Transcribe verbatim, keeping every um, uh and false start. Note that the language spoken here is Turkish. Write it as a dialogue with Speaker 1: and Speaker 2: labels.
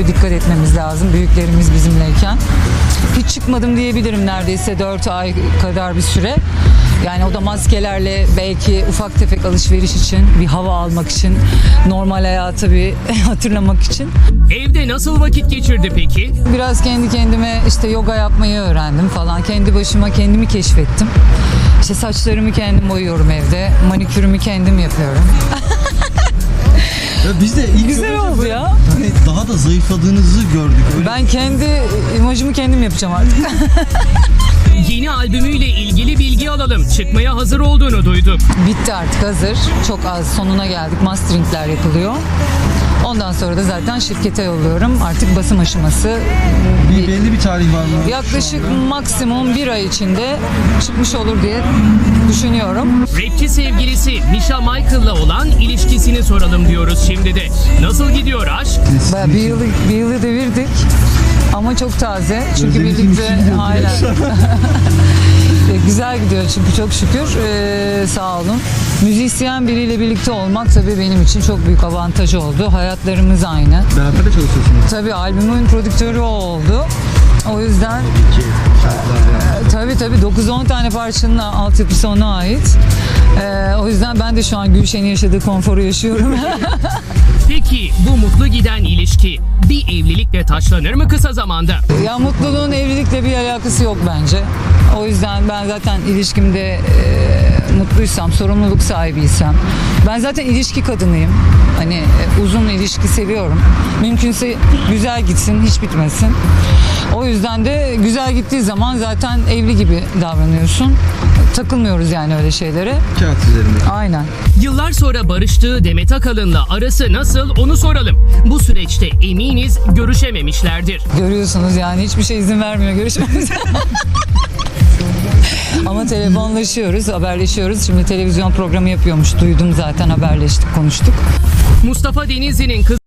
Speaker 1: dikkat etmemiz lazım büyüklerimiz bizimleyken. Hiç çıkmadım diyebilirim neredeyse dört ay kadar bir süre. Yani o da maskelerle belki ufak tefek alışveriş için, bir hava almak için, normal hayatı bir hatırlamak için.
Speaker 2: Evde nasıl vakit geçirdi peki?
Speaker 1: Biraz kendi kendime işte yoga yapmayı öğrendim falan. Kendi başıma kendimi keşfettim. İşte saçlarımı kendim boyuyorum evde. Manikürümü kendim yapıyorum.
Speaker 3: Ya biz de ilk
Speaker 1: Güzel
Speaker 3: görünce
Speaker 1: oldu
Speaker 3: böyle
Speaker 1: ya.
Speaker 3: Hani daha da zayıfladığınızı gördük. Öyle
Speaker 1: Ben kendi imajımı kendim yapacağım artık.
Speaker 2: Yeni albümüyle ilgili bilgi alalım. Çıkmaya hazır olduğunu duyduk.
Speaker 1: Bitti artık, hazır. Çok az sonuna geldik. Masteringler yapılıyor. Ondan sonra da zaten şirkete yolluyorum. Artık basım aşaması.
Speaker 3: bir belli bir tarih var mı?
Speaker 1: Yaklaşık maksimum bir ay içinde çıkmış olur diye düşünüyorum.
Speaker 2: Rapçi sevgilisi Misha Michael'la olan ilişkisini soralım diyoruz şimdi de. Nasıl gidiyor aşk?
Speaker 1: Bayağı bir yılı, bir yılı devirdik. Ama çok taze. Çünkü
Speaker 3: Özlemişim
Speaker 1: birlikte
Speaker 3: şimdi.
Speaker 1: aynen. Güzel gidiyor çünkü çok şükür. Ee, sağ olun. Müzisyen biriyle birlikte olmak tabii benim için çok büyük avantajı oldu. Hayatlarımız aynı.
Speaker 3: Beraber de çalışıyorsunuz.
Speaker 1: Tabii albümün prodüktörü o oldu. O yüzden e, tabii tabii dokuz on tane parçanın altyapısı ona ait. Ee, o yüzden ben de şu an Gülşen'in yaşadığı konforu yaşıyorum.
Speaker 2: Peki bu mutlu giden ilişki bir evlilikle taşlanır mı kısa zamanda?
Speaker 1: Ya mutluluğun evlilikle bir alakası yok bence. O yüzden ben zaten ilişkimde e, mutluysam, sorumluluk sahibiysem. Ben zaten ilişki kadınıyım. Hani e, uzun ilişki seviyorum. Mümkünse güzel gitsin, hiç bitmesin. O yüzden de güzel gittiği zaman zaten evli gibi davranıyorsun. Takılmıyoruz yani öyle şeylere.
Speaker 3: Kağıt üzerinde.
Speaker 1: Aynen.
Speaker 2: Yıllar sonra barıştığı Demet Akalın'la arası nasıl onu soralım. Bu süreçte eminiz görüşememişlerdir.
Speaker 1: Görüyorsunuz yani hiçbir şey izin vermiyor görüşmemize. Ama telefonlaşıyoruz, haberleşiyoruz. Şimdi televizyon programı yapıyormuş. Duydum zaten, haberleştik, konuştuk.
Speaker 2: Mustafa Denizli'nin kız